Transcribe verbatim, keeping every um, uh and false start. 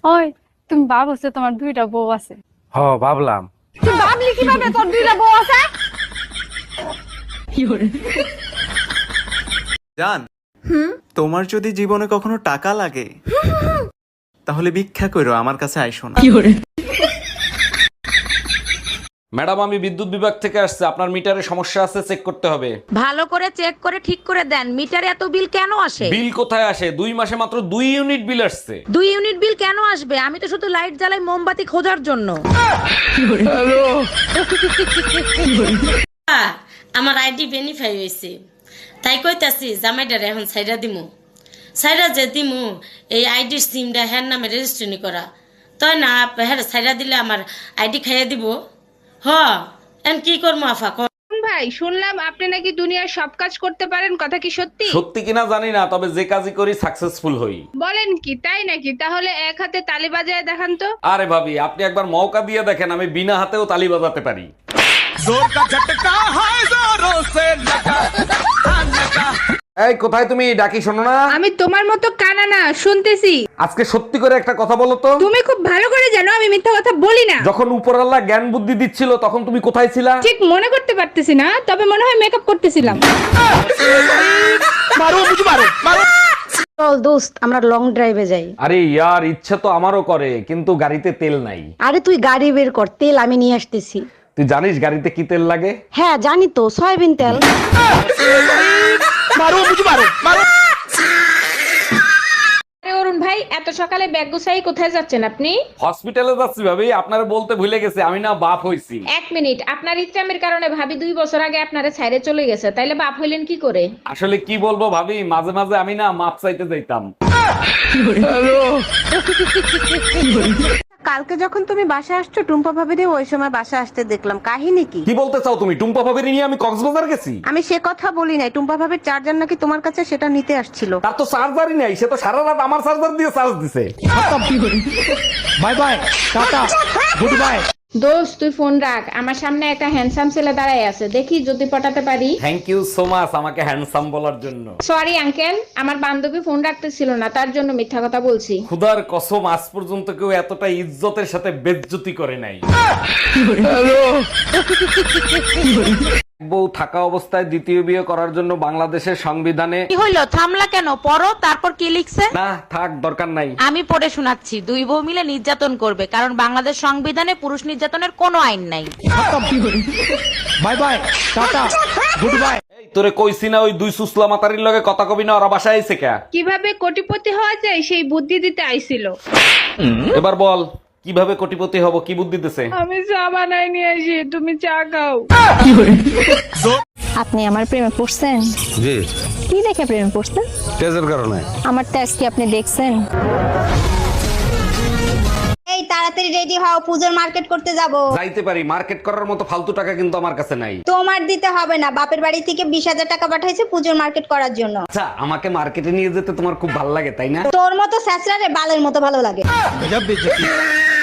ওই তুমি ভাবছো তোমার দুইটা বউ আছে? হ ভাবলাম। তুই ভাবলি কিভাবে তোর দুইটা বউ আছে? জান, তোমার যদি জীবনে কখনো টাকা লাগে তাহলে ভিক্ষা করো, আমার কাছে আইসো না। ম্যাডাম, আমি বিদ্যুৎ বিভাগ থেকে আসছে, আপনার মিটারে সমস্যা আছে, চেক করতে হবে। ভালো করে চেক করে ঠিক করে দেন, মিটারে এত বিল কেন আসে? বিল কোথায় আসে? দুই মাসে মাত্র দুই ইউনিট বিল আসছে। দুই ইউনিট বিল কেন আসবে? আমি তো শুধু লাইট জ্বালাই মোমবাতি খোঁজার জন্য। আমার আইডি ভেরিফাই হয়েছে, তাই কইতাছি জামাইডারে এখন সাইডা দিমু। সাইডা যে দিমু এই আইডির সিমটা হ্যার নামে রেজিস্ট্রেশন করা, তাই না হ্যাঁ সাইডা দিলে আমার আইডি খাইয়া দিব। হ এন কি করবো আফা? ভাই শুনলাম আপনি নাকি দুনিয়ার সব কাজ করতে পারেন, কথা কি সত্যি? সত্যি কিনা জানি না, তবে যে কাজই করি সাকসেসফুল হই। বলেন কি, তাই নাকি? তাহলে এক হাতে তালি বাজায় দেখান তো। আরে ভাবি, আপনি একবার মৌকা দিয়ে দেখেন, আমি বিনা হাতেও তালি বাজাতে পারি। এই কোথায় তুমি? ডাকি শোনো না। আমি তোমার মতো কানা না, শুনতেছি। আজকে সত্যি করে একটা কথা বলো তো। তুমি খুব ভালো করে জানো আমি মিথ্যা কথা বলি না। যখন উপরওয়ালা জ্ঞান বুদ্ধি দিচ্ছিল তখন তুমি কোথায় ছিলা? ঠিক মনে করতে পারতেছি না, তবে মনে হয় মেকআপ করতেছিলাম। চল দোস্ত, আমরা লং ড্রাইভে যাই। আরে ইয়ার, ইচ্ছে তো আমারও করে, কিন্তু গাড়িতে তেল নাই। আরে তুই গাড়ি বের কর, তেল আমি নিয়ে আসতেছি। তুই জানিস গাড়িতে কি তেল লাগে? হ্যাঁ জানি তো, সয়াবিন তেল। অরুণ ভাই, এত সকালে ব্যাগ গুছাই কোথায় যাচ্ছেন আপনি? হসপিটালে যাচ্ছি ভাবি, আপনারা বলতে ভুলে গেছে আমি না বাপ হইছি। এক মিনিট, আপনার ইচ্ছামের কারণে ভাবি দুই বছর আগে আপনারে ছাইরে চলে গেছে, তাইলে বাপ হইলেন কি করে? আসলে কি বলবো ভাবি, মাঝে মাঝে আমি না মাপ চাইতে যাইতাম। কালকে যখন তুমি বাসা আসছো, টুম্পা ভাবিরে ওই সময় বাসা আসতে দেখলাম, কাহিনী কি? কি বলতে চাও তুমি? টুম্পা ভাবির নিয়ে আমি কক্সবাজার গেছি? আমি সে কথা বলি নাই, টুম্পা ভাবির চার্জার নাকি তোমার কাছে, সেটা নিতে আসছিল। তার তো চার্জারই নাই, সে তো সারা রাত আমার চার্জার দিয়ে চার্জ দিছে। Bye bye, tata, goodbye. দোস্ত তুই ফোন রাখ, আমার সামনে একটা হ্যান্ডসাম ছেলে দাঁড়ায় আছে, দেখি যদি পটাতে পারি। থ্যাংক ইউ সো মাচ আমাকে হ্যান্ডসাম বলার জন্য। সরি আঙ্কেল, আমার বান্ধবী ফোন রাখতেছিল না, তার জন্য মিথ্যা কথা বলছি। খুদার কসম, আজ পর্যন্ত কেউ এতটা ইজ্জতের সাথে বেজ্জতি করে নাই। বউ থাকা অবস্থায় দ্বিতীয় বিয়ে করার জন্য বাংলাদেশের সংবিধানে কি হইলো, থামলা কেন? পড়ো, তারপর কি লিখছে? না থাক, দরকার নাই। আমি পড়ে শোনাচ্ছি। দুই বউ মিলে নির্যাতন করবে, কারণ বাংলাদেশ সংবিধানে পুরুষ নির্যাতনের কোনো আইন নাই। Bye bye, tata, goodbye. এই তোরে কইছি না ওই দুই সুসলা মাতারির লগে কথা কবি না, ওরা বাসায় আইছে কে? কিভাবে কোটিপতি হওয়া যায় সেই বুদ্ধি দিতে আইছিল। এবার বল কিভাবে কোটিপতি হব, কি বুদ্ধি দিতেছে? আমি চা বানাই নিয়ে আসি, তুমি চা খাও। আপনি আমার প্রেমে পড়ছেন? জি। কি দেখে প্রেমে পড়ছেন? তেজের কারণে। আমার তেজ কি আপনি দেখছেন? এই তাড়াতাড়ি রেডি হও, পূজোর মার্কেট করতে যাব। যাইতে পারি, মার্কেট করার মতো ফালতু টাকা কিন্তু আমার কাছে নাই। তোমার দিতে হবে না, বাপের বাড়ি থেকে বিশ হাজার টাকা পাঠাইছে পূজোর মার্কেট করার জন্য। আচ্ছা, আমাকে মার্কেটে নিয়ে যেতে তোমার খুব ভালো লাগে তাই না? তোর মতো স্যাঁচড়ারে বালের মতো ভালো লাগে।